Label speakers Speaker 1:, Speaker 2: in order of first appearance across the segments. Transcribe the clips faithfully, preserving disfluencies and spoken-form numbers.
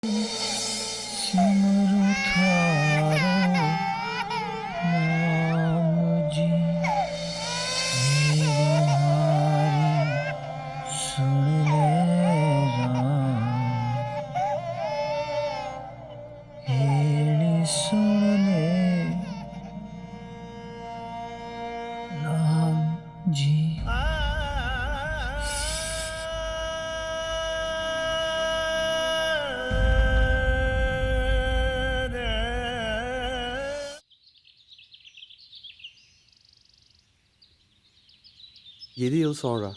Speaker 1: सिमरु थारो नाम जी, मेरी हारी सुन ले राम, हेली सुन ले राम जी।
Speaker 2: Yedi yıl sonra.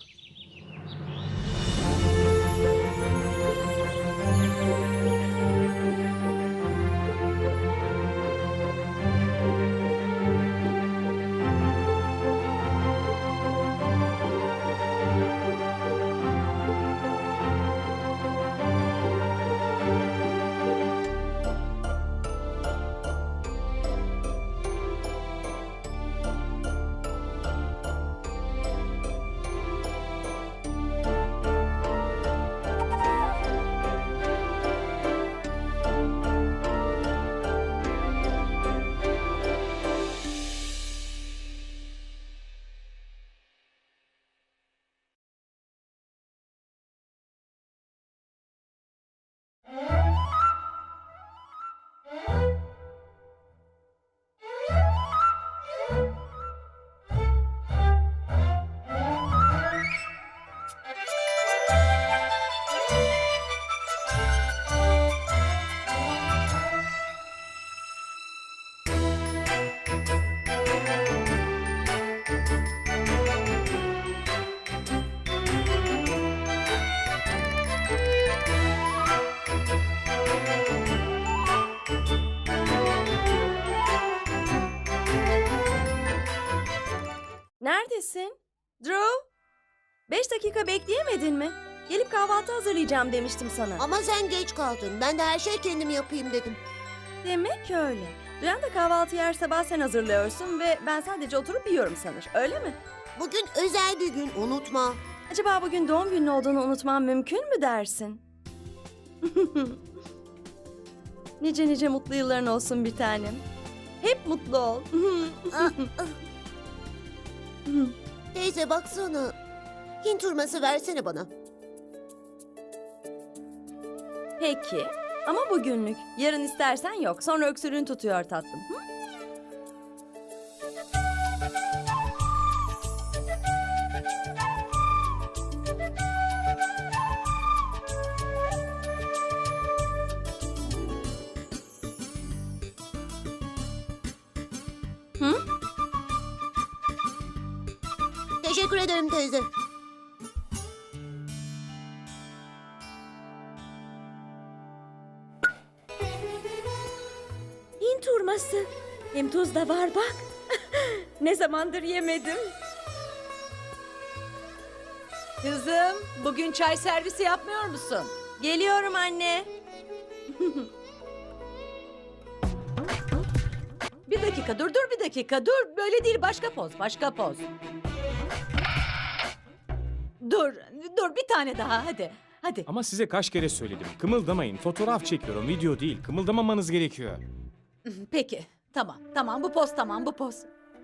Speaker 3: Neredesin? Drew? Beş dakika bekleyemedin mi? Gelip kahvaltı hazırlayacağım demiştim sana.
Speaker 4: Ama sen geç kaldın. Ben de her şeyi kendim yapayım dedim.
Speaker 3: Demek öyle. Duyan da kahvaltıyı her sabah sen hazırlıyorsun ve ben sadece oturup yiyorum sanır. Öyle mi?
Speaker 4: Bugün özel bir gün, unutma.
Speaker 3: Acaba bugün doğum günün olduğunu unutmam mümkün mü dersin? Nice nice mutlu yılların olsun bir tanem. Hep mutlu ol.
Speaker 4: Teyze baksana. Hint hurması versene bana.
Speaker 3: Peki. Ama bugünlük. Yarın istersen yok. Sonra öksürüğün tutuyor tatlım. Hı? Hı?
Speaker 4: Teşekkür ederim teyze.
Speaker 3: Hint hurması. Hem tuz da var bak. Ne zamandır yemedim.
Speaker 5: Kızım, bugün çay servisi yapmıyor musun?
Speaker 3: Geliyorum anne.
Speaker 5: Bir dakika, dur dur bir dakika, dur. Böyle değil, başka poz, başka poz. Dur, dur bir tane daha, hadi, hadi.
Speaker 6: Ama size kaç kere söyledim. Kımıldamayın. Fotoğraf çekiyorum, video değil. Kımıldamamanız gerekiyor.
Speaker 5: Peki, tamam, tamam, bu poz tamam, bu poz.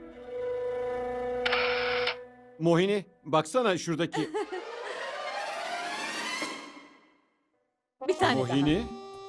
Speaker 2: Mohini, baksana şuradaki.
Speaker 5: Bir tane
Speaker 2: Mohini.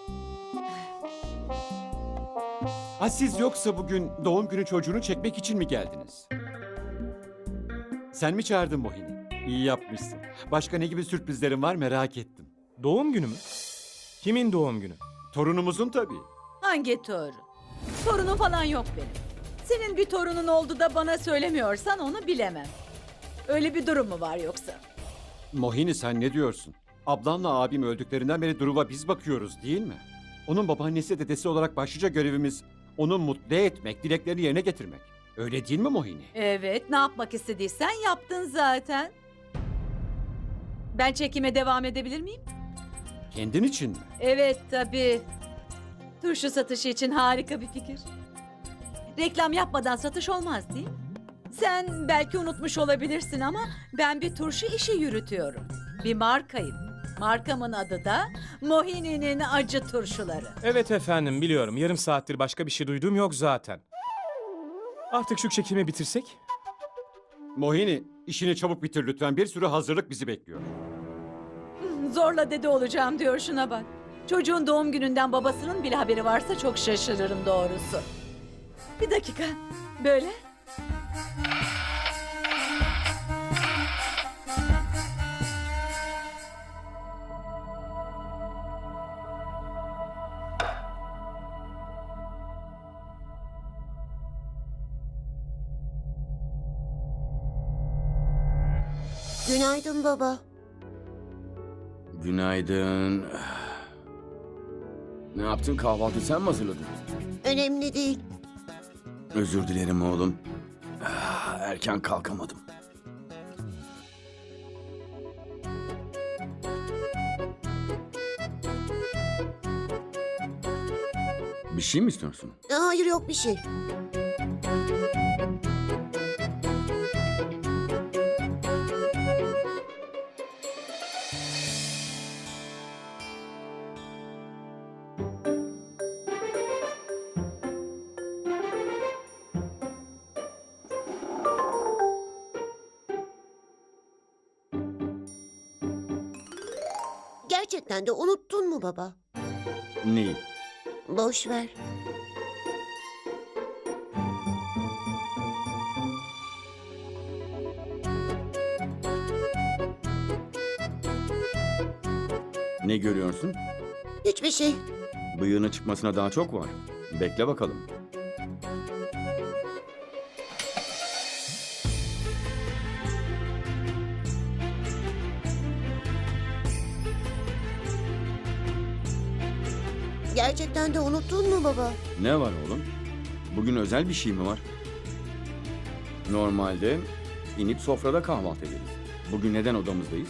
Speaker 2: Ha siz yoksa bugün doğum günü çocuğunu çekmek için mi geldiniz? Sen mi çağırdın Mohini? İyi yapmışsın. Başka ne gibi sürprizlerin var merak ettim.
Speaker 6: Doğum günü mü? Kimin doğum günü?
Speaker 2: Torunumuzun tabii.
Speaker 5: daha. Hangi torun? Torunum falan yok benim. Senin bir torunun oldu da bana söylemiyorsan onu bilemem. Öyle bir durum mu var yoksa?
Speaker 2: Mohini sen ne diyorsun? Ablanla abim öldüklerinden beri Duruv'a biz bakıyoruz değil mi? Onun babaannesi dedesi olarak başlıca görevimiz onu mutlu etmek, dileklerini yerine getirmek. Öyle değil mi Mohini?
Speaker 5: Evet, ne yapmak istediysen yaptın zaten. Ben çekime devam edebilir miyim?
Speaker 2: Kendin için mi?
Speaker 5: Evet tabii. Turşu satışı için harika bir fikir. Reklam yapmadan satış olmaz değil mi? Sen belki unutmuş olabilirsin ama ben bir turşu işi yürütüyorum. Bir markayım. Markamın adı da Mohini'nin acı turşuları.
Speaker 6: Evet efendim biliyorum. Yarım saattir başka bir şey duyduğum yok zaten. Artık şu çekimi bitirsek?
Speaker 2: Mohini, işini çabuk bitir lütfen. Bir sürü hazırlık bizi bekliyor.
Speaker 5: Zorla dede olacağım diyor, şuna bak. Çocuğun doğum gününden babasının bile haberi varsa çok şaşırırım doğrusu. Bir dakika. Böyle.
Speaker 4: Günaydın baba.
Speaker 7: Günaydın. Ne yaptın? Kahvaltı sen mi hazırladın?
Speaker 4: Önemli değil.
Speaker 7: Özür dilerim oğlum. Ah, Erken kalkamadım. Bir şey mi istiyorsun?
Speaker 4: Hayır, yok bir şey. Gerçekten de unuttun mu baba?
Speaker 7: Neyi?
Speaker 4: Boş ver.
Speaker 7: Ne görüyorsun?
Speaker 4: Hiçbir şey.
Speaker 7: Bıyığının çıkmasına daha çok var. Bekle bakalım.
Speaker 4: Gerçekten de unuttun mu baba?
Speaker 7: Ne var oğlum? Bugün özel bir şey mi var? Normalde inip sofrada kahvaltı ederiz. Bugün neden odamızdayız?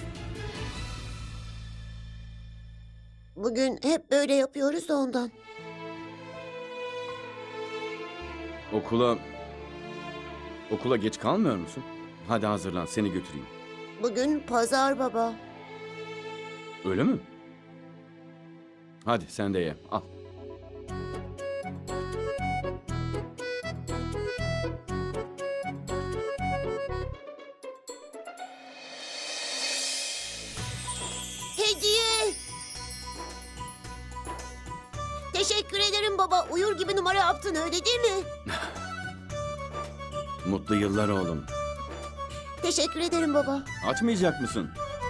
Speaker 4: Bugün hep böyle yapıyoruz da ondan.
Speaker 7: Okula... Okula geç kalmıyor musun? Hadi hazırlan, seni götüreyim.
Speaker 4: Bugün pazar baba.
Speaker 7: Öyle mi? Hadi sen de ye, al.
Speaker 4: Hediye! Teşekkür ederim baba. Uyur gibi numara yaptın, öyle değil mi?
Speaker 7: Mutlu yıllar oğlum.
Speaker 4: Teşekkür ederim baba.
Speaker 7: Açmayacak mısın?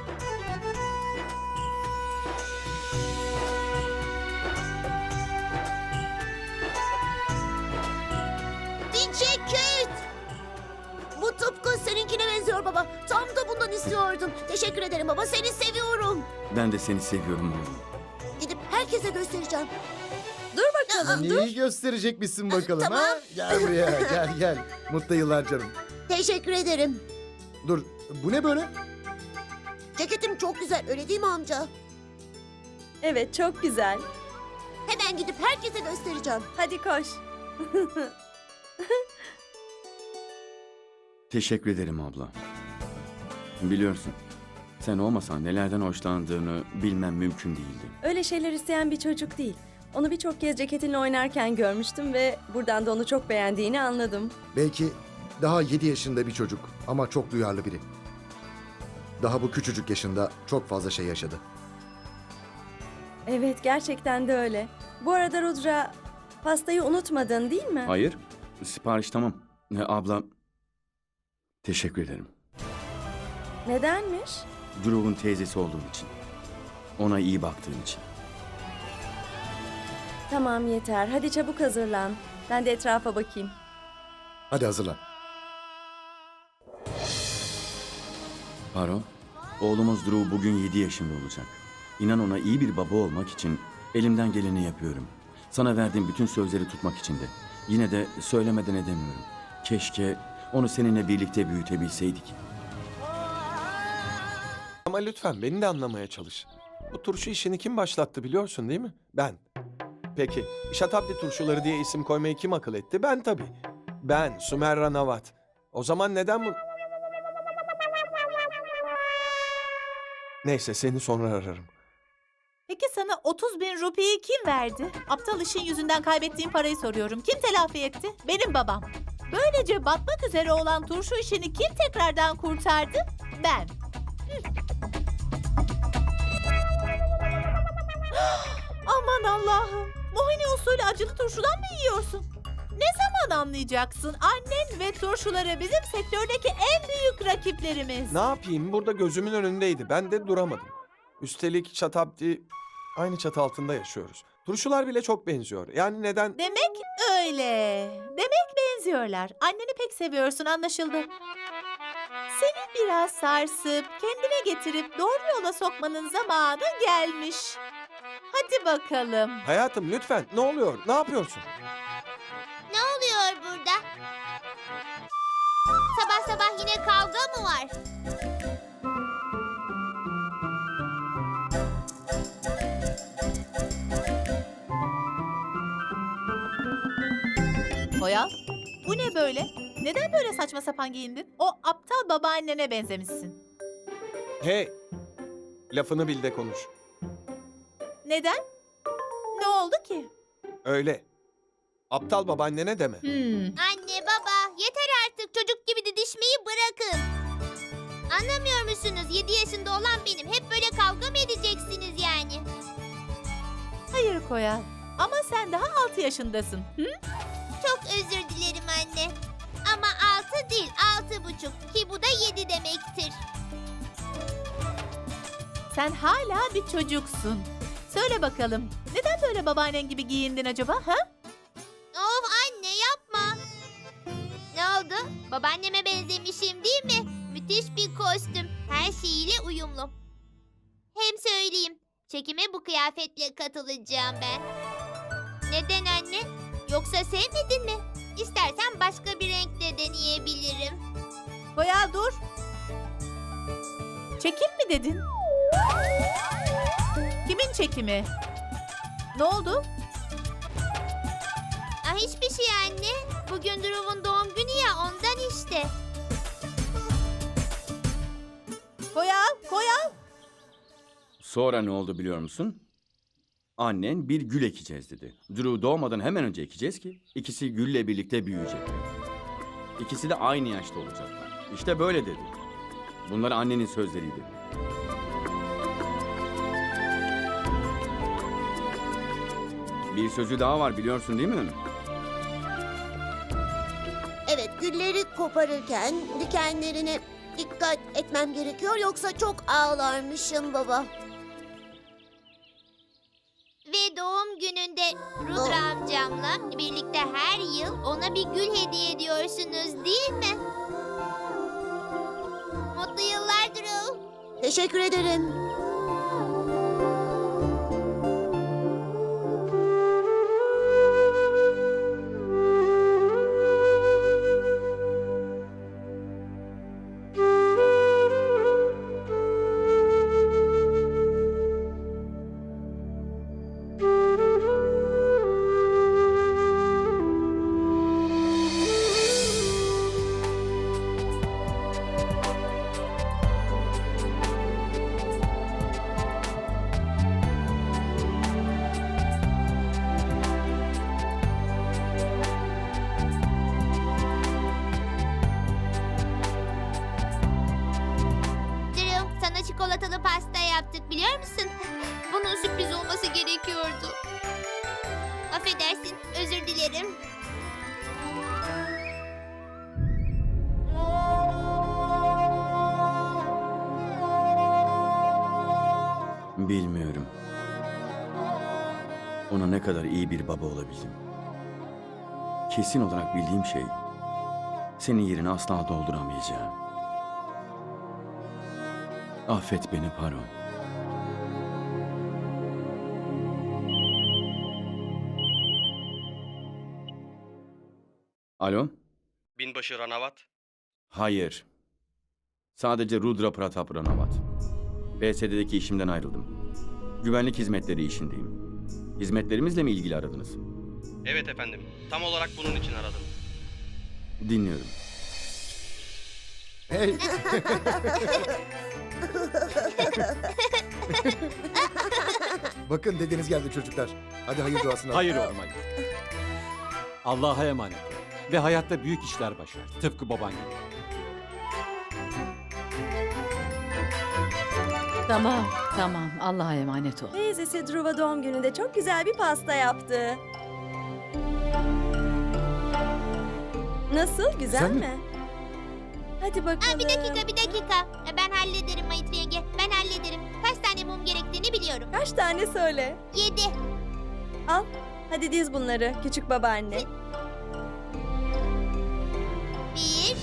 Speaker 4: Bir ceket! Bu tıpkı seninkine benziyor baba. Tam da bundan istiyordum. Teşekkür ederim baba. Seni seviyorum.
Speaker 7: Ben de seni seviyorum oğlum.
Speaker 4: Gidip herkese göstereceğim.
Speaker 3: Dur bakalım, dur.
Speaker 8: Neyi gösterecekmişsin bakalım
Speaker 4: Tamam.
Speaker 8: ha? Gel buraya, gel gel. Mutlu yıllar canım.
Speaker 4: Teşekkür ederim.
Speaker 8: Dur, bu ne böyle?
Speaker 4: Ceketim çok güzel, öyle değil mi amca?
Speaker 3: Evet, çok güzel.
Speaker 4: Hemen gidip herkese göstereceğim.
Speaker 3: Hadi koş.
Speaker 7: Teşekkür ederim abla. Biliyorsun, sen olmasan nelerden hoşlandığını bilmem mümkün değildi.
Speaker 3: Öyle şeyler isteyen bir çocuk değil. Onu birçok kez ceketinle oynarken görmüştüm ve buradan da onu çok beğendiğini anladım.
Speaker 8: Belki daha yedi yaşında bir çocuk ama çok duyarlı biri. Daha bu küçücük yaşında çok fazla şey yaşadı.
Speaker 3: Evet, gerçekten de öyle. Bu arada Rudra, pastayı unutmadın değil mi?
Speaker 7: Hayır, sipariş tamam. Ne abla, teşekkür ederim.
Speaker 3: Nedenmiş?
Speaker 7: Drew'un teyzesi olduğun için. Ona iyi baktığın için.
Speaker 3: Tamam, yeter. Hadi çabuk hazırlan. Ben de etrafa bakayım.
Speaker 8: Hadi hazırlan.
Speaker 7: Paro, oğlumuz Drew bugün yedi yaşında olacak. İnan ona iyi bir baba olmak için elimden geleni yapıyorum. Sana verdiğim bütün sözleri tutmak için de. Yine de söylemeden edemiyorum. Keşke onu seninle birlikte büyütebilseydik.
Speaker 9: Ama lütfen beni de anlamaya çalış. Bu turşu işini kim başlattı biliyorsun değil mi? Ben. Peki, Şatabdi turşuları diye isim koymayı kim akıl etti? Ben tabii. Ben, Sumerra Navat. O zaman neden bu... Neyse seni sonra ararım.
Speaker 10: Peki sana otuz bin rupiyi kim verdi? Aptal işin yüzünden kaybettiğim parayı soruyorum. Kim telafi etti? Benim babam. Böylece batmak üzere olan turşu işini kim tekrardan kurtardı? Ben. Hı. Aman Allah'ım. Mohini usulü acılı turşudan mı yiyorsun? Ne zaman anlayacaksın? Annen ve turşuları bizim sektördeki en büyük rakiplerimiz.
Speaker 9: Ne yapayım? Burada gözümün önündeydi. Ben de duramadım. Üstelik Şatabdi aynı çatı altında yaşıyoruz. Turşular bile çok benziyor. Yani neden?
Speaker 10: Demek öyle. Demek benziyorlar. Anneni pek seviyorsun, anlaşıldı. Seni biraz sarsıp, kendine getirip doğru yola sokmanın zamanı gelmiş. Hadi bakalım.
Speaker 9: Hayatım lütfen ne oluyor? Ne yapıyorsun?
Speaker 4: Ne oluyor burada? Sabah sabah yine kavga mı var?
Speaker 10: Boya, bu ne böyle? Neden böyle saçma sapan giyindin? O aptal babaannene benzemişsin.
Speaker 9: Hey! Lafını bil de konuş.
Speaker 10: Neden? Ne oldu ki?
Speaker 9: Öyle. Aptal babaannene deme.
Speaker 10: Hmm.
Speaker 4: Anne baba yeter artık, çocuk gibi didişmeyi bırakın. Anlamıyor musunuz? Yedi yaşında olan benim. Hep böyle kavga mı edeceksiniz yani?
Speaker 10: Hayır Koyal. Ama sen daha altı yaşındasın. Hı?
Speaker 4: Çok özür dilerim anne. Ama altı değil, altı buçuk. Ki bu da yedi demektir.
Speaker 10: Sen hala bir çocuksun. Söyle bakalım. Neden böyle babaannen gibi giyindin acaba? Ha?
Speaker 4: Of anne yapma. Ne oldu? Babaanneme benzemişim değil mi? Müthiş bir kostüm. Her şeyiyle uyumlu. Hem söyleyeyim. Çekime bu kıyafetle katılacağım ben. Neden anne? Yoksa sevmedin mi? İstersen başka bir renkle deneyebilirim.
Speaker 10: Koyal dur. Çekim mi dedin? Kimin çekimi? Ne oldu?
Speaker 4: Ah hiçbir şey anne. Bugün Drew'un doğum günü ya, ondan işte.
Speaker 10: Koyal, Koyal.
Speaker 7: Sonra ne oldu biliyor musun? Annen bir gül ekeceğiz dedi. Drew doğmadan hemen önce ekeceğiz ki ikisi gülle birlikte büyüyecekler. İkisi de aynı yaşta olacaklar. İşte böyle dedi. Bunlar annenin sözleriydi. Bir sözü daha var biliyorsun değil mi?
Speaker 4: Evet, gülleri koparırken dikenlerine dikkat etmem gerekiyor, yoksa çok ağlarmışım baba. Ve doğum gününde Rudra amcamla birlikte her yıl ona bir gül hediye ediyorsunuz değil mi? Mutlu yıllar Drew. Teşekkür ederim. Çikolatalı pasta yaptık biliyor musun? Bunun sürpriz olması gerekiyordu. Affedersin, özür dilerim.
Speaker 7: Bilmiyorum. Ona ne kadar iyi bir baba olabildim. Kesin olarak bildiğim şey, senin yerini asla dolduramayacağım. Affet beni Paro. Alo?
Speaker 11: Binbaşı Ranavat.
Speaker 7: Hayır. Sadece Rudra Pratap Ranavat. B S D'deki işimden ayrıldım. Güvenlik hizmetleri işindeyim. Hizmetlerimizle mi ilgili aradınız?
Speaker 11: Evet efendim. Tam olarak bunun için aradım.
Speaker 7: Dinliyorum.
Speaker 8: Hey. Bakın dedeniz geldi çocuklar. Hadi hayır duasını.
Speaker 2: Hayır oğlum hayır. Allah'a emanet ol. Ve hayatta büyük işler başar. Tıpkı baban gibi.
Speaker 5: Tamam, tamam. Allah'a emanet ol.
Speaker 3: Teyzesi Dhruva doğum gününde çok güzel bir pasta yaptı. Nasıl? Güzel
Speaker 8: Güzel mi?
Speaker 3: mi? Hadi bakalım.
Speaker 4: Aa, bir dakika bir dakika. Ben hallederim Mayit yenge. Ben hallederim. Kaç tane mum gerektiğini biliyorum.
Speaker 3: Kaç tane söyle.
Speaker 4: Yedi.
Speaker 3: Al. Hadi diz bunları küçük babaanne.
Speaker 4: Bir.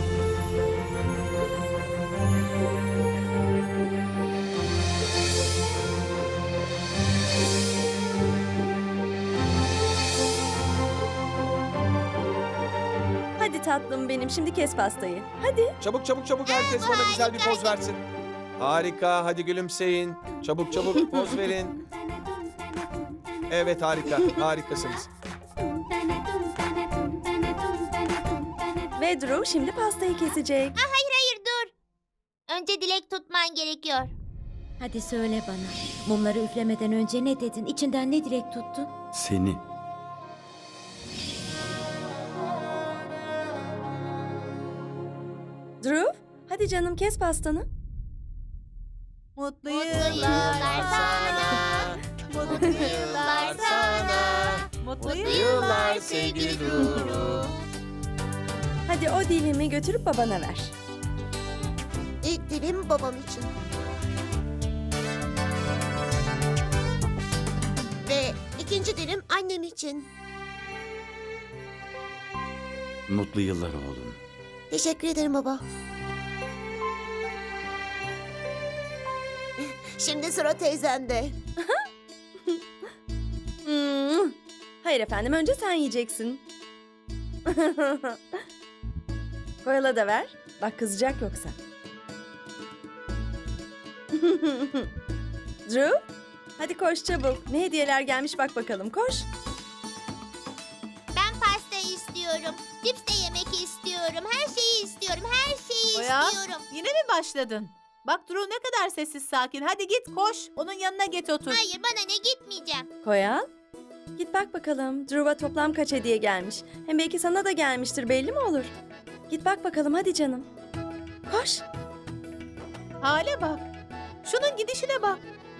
Speaker 3: Hadi tatlım benim. Şimdi kes pastayı. Hadi.
Speaker 9: Çabuk çabuk çabuk herkes
Speaker 4: bu
Speaker 9: bana güzel bir
Speaker 4: harika.
Speaker 9: poz versin. Harika, hadi gülümseyin. Çabuk çabuk poz verin. Evet harika, harikasınız.
Speaker 3: Ve Dhruv şimdi pastayı kesecek.
Speaker 4: Aa, hayır hayır dur. Önce dilek tutman gerekiyor.
Speaker 12: Hadi söyle bana. Mumları üflemeden önce ne dedin? İçinden ne dilek tuttun?
Speaker 7: Seni.
Speaker 3: Dhruv, hadi canım kes pastanı.
Speaker 10: Mutlu
Speaker 4: Mutlu
Speaker 10: yıllar
Speaker 4: yıllar
Speaker 10: sana. Mutlu yıllar sana. Mutlu yıllar sevgili Duru.
Speaker 3: Hadi o dilimi götürüp babana ver.
Speaker 10: İlk dilim babam için. Ve ikinci dilim annem için.
Speaker 7: Mutlu yıllar oğlum.
Speaker 10: Teşekkür ederim baba. Şimdi sıra teyzemde.
Speaker 3: Hmm. Hayır efendim, önce sen yiyeceksin. Koyala da ver. Bak kızacak yoksa. Dhruv, hadi koş çabuk. Ne hediyeler gelmiş bak bakalım, koş.
Speaker 4: Ben pasta istiyorum. Cips de yemek istiyorum. Her şeyi istiyorum. Her şeyi
Speaker 10: Oya,
Speaker 4: istiyorum.
Speaker 10: yine mi başladın? Bak Duru ne kadar sessiz sakin. Hadi git koş. Onun yanına git otur.
Speaker 4: Hayır bana ne gitmeyeceğim.
Speaker 3: Koyal, git bak bakalım. Dhruv'a toplam kaç hediye gelmiş. Hem belki sana da gelmiştir, belli mi olur? Git bak bakalım, hadi canım. Koş.
Speaker 10: Hale bak. Şunun gidişine bak.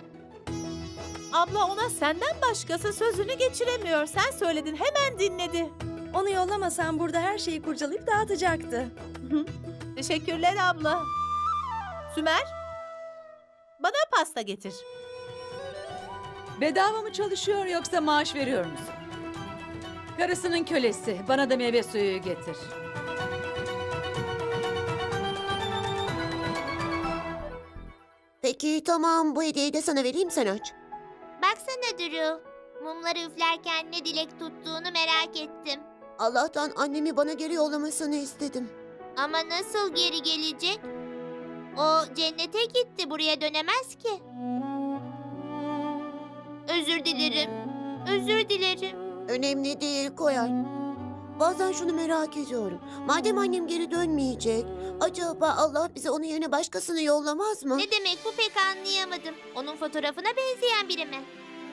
Speaker 10: Abla ona senden başkası sözünü geçiremiyor. Sen söyledin hemen dinledi.
Speaker 3: Onu yollamasan burada her şeyi kurcalayıp dağıtacaktı.
Speaker 10: Teşekkürler abla. Sümer, bana pasta getir.
Speaker 5: Bedava mı çalışıyor yoksa maaş veriyor musun? Karısının kölesi. Bana da meyve suyu getir.
Speaker 10: Peki tamam, bu hediyeyi de sana vereyim, sen aç.
Speaker 4: Baksana Duru. Mumları üflerken ne dilek tuttuğunu merak ettim.
Speaker 10: Allah'tan annemi bana geri yollamasını istedim.
Speaker 4: Ama nasıl geri gelecek? O cennete gitti, buraya dönemez ki. Özür dilerim. Özür dilerim.
Speaker 10: Önemli değil Koyal. Bazen şunu merak ediyorum. Madem annem geri dönmeyecek, acaba Allah bize onun yerine başkasını yollamaz mı?
Speaker 4: Ne demek bu pek anlayamadım. Onun fotoğrafına benzeyen biri mi?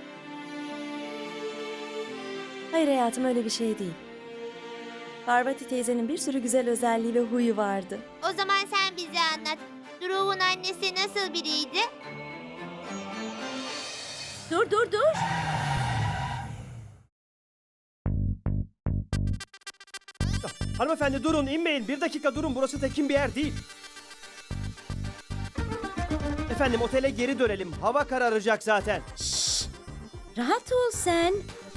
Speaker 3: Hayır hayatım, öyle bir şey değil. Parvati teyzenin bir sürü güzel özelliği ve huyu vardı.
Speaker 4: O zaman sen bize anlat. Dhruw'un annesi nasıl biriydi?
Speaker 12: Dur dur dur.
Speaker 13: Hanımefendi durun, inmeyin. Bir dakika durun, burası tekin bir yer değil. Efendim otele geri dönelim. Hava kararacak zaten.
Speaker 12: Şşş. Rahat ol sen.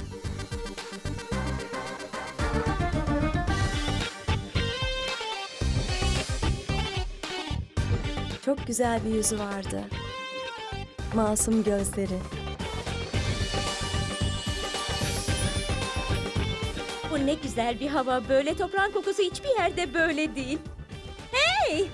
Speaker 3: Çok güzel bir yüzü vardı. Masum gözleri.
Speaker 12: Bu ne güzel bir hava. Böyle toprağın kokusu hiçbir yerde böyle değil. Hey!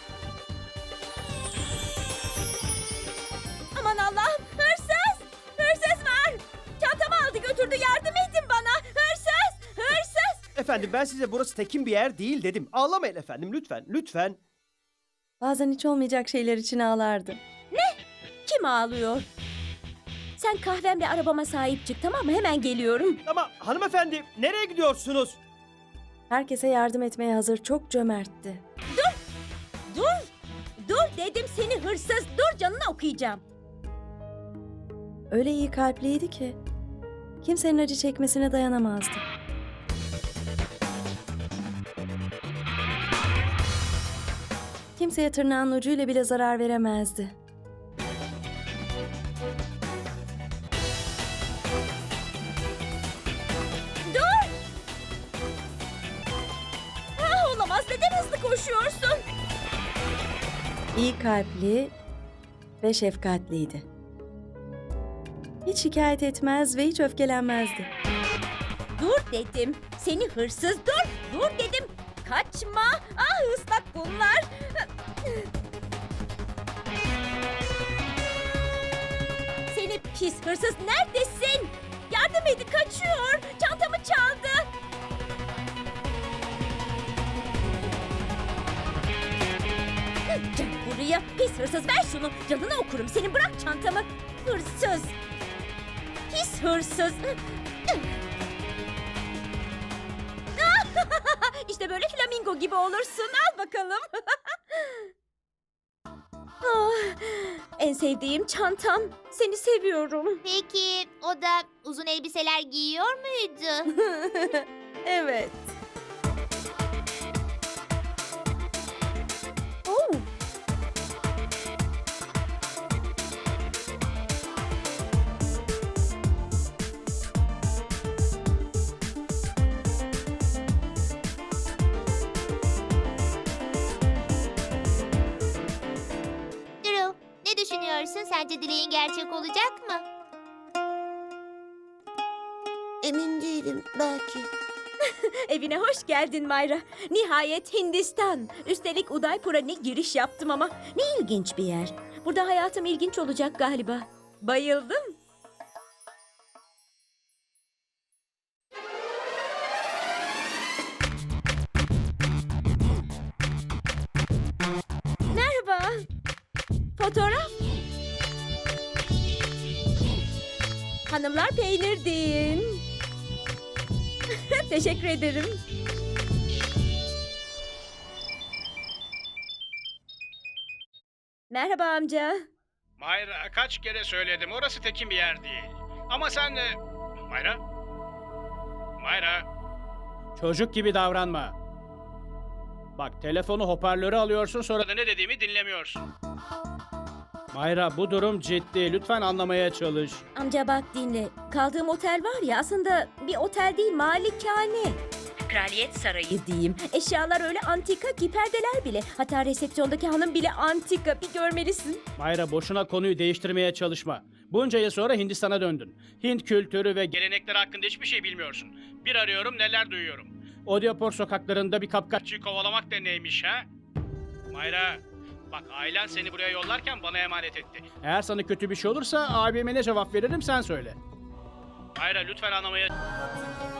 Speaker 12: Aman Allah'ım! Hırsız! Hırsız var! Çantamı aldı götürdü. Yardım edin bana! Hırsız! Hırsız!
Speaker 13: Efendim ben size burası tekin bir yer değil dedim. Ağlamayın efendim lütfen, lütfen.
Speaker 3: Bazen hiç olmayacak şeyler için ağlardı.
Speaker 12: Kim ağlıyor? Sen kahvemle arabama sahip çık, tamam mı? Hemen geliyorum.
Speaker 13: Ama hanımefendi nereye gidiyorsunuz?
Speaker 3: Herkese yardım etmeye hazır, çok cömertti.
Speaker 12: Dur! Dur dedim, seni hırsız. Dur, canını okuyacağım.
Speaker 3: Öyle iyi kalpliydi ki kimsenin acı çekmesine dayanamazdı. Kimseye tırnağın ucuyla bile zarar veremezdi.
Speaker 12: Dur! Ah, olamaz. Neden hızlı koşuyorsun?
Speaker 3: İyi kalpli ve şefkatliydi. Hiç şikayet etmez ve hiç öfkelenmezdi.
Speaker 12: Dur dedim. Seni hırsız, dur! Dur dedim. Kaçma! Ah, ıslak bunlar. Seni pis hırsız, neredesin? Yardım edin, kaçıyor. Çantamı çaldı. Gel buraya pis hırsız, ver şunu. Canını okurum senin, bırak çantamı. Hırsız. Pis hırsız. İşte böyle flamingo gibi olursun. Al bakalım. Ah, en sevdiğim çantam. Seni seviyorum.
Speaker 4: Peki o da uzun elbiseler giyiyor muydu?
Speaker 3: Evet. Oh.
Speaker 4: Drew, ne düşünüyorsun? Sence dileğin gerçek olacak mı?
Speaker 10: Emin değilim, belki.
Speaker 12: Evine hoş geldin Mayra. Nihayet Hindistan. Üstelik Udaipur'a ne giriş yaptım ama. Ne ilginç bir yer. Burada hayatım ilginç olacak galiba. Bayıldım. Merhaba. Fotoğraf. Hanımlar peynir deyin. Teşekkür ederim. Merhaba amca.
Speaker 14: Mayra, kaç kere söyledim, orası tekin bir yer değil. Ama sen... e, Mayra? Mayra? Çocuk gibi davranma. Bak, telefonu hoparlöre alıyorsun, sonra da ne dediğimi dinlemiyorsun. Mayra, bu durum ciddi. Lütfen anlamaya çalış.
Speaker 12: Amca bak dinle. Kaldığım otel var ya, aslında bir otel değil, malikane. Kraliyet sarayı diyeyim. Eşyalar öyle antika ki, perdeler bile. Hatta resepsiyondaki hanım bile antika. Bir görmelisin.
Speaker 14: Mayra, boşuna konuyu değiştirmeye çalışma. Bunca yıl sonra Hindistan'a döndün. Hint kültürü ve gelenekleri hakkında hiçbir şey bilmiyorsun. Bir arıyorum, neler duyuyorum. Odyapor sokaklarında bir kapkaççıyı kovalamak da neymiş ha? Mayra, bak, ailen seni buraya yollarken bana emanet etti. Eğer sana kötü bir şey olursa abime ne cevap veririm sen söyle. Mayra, lütfen anlamaya...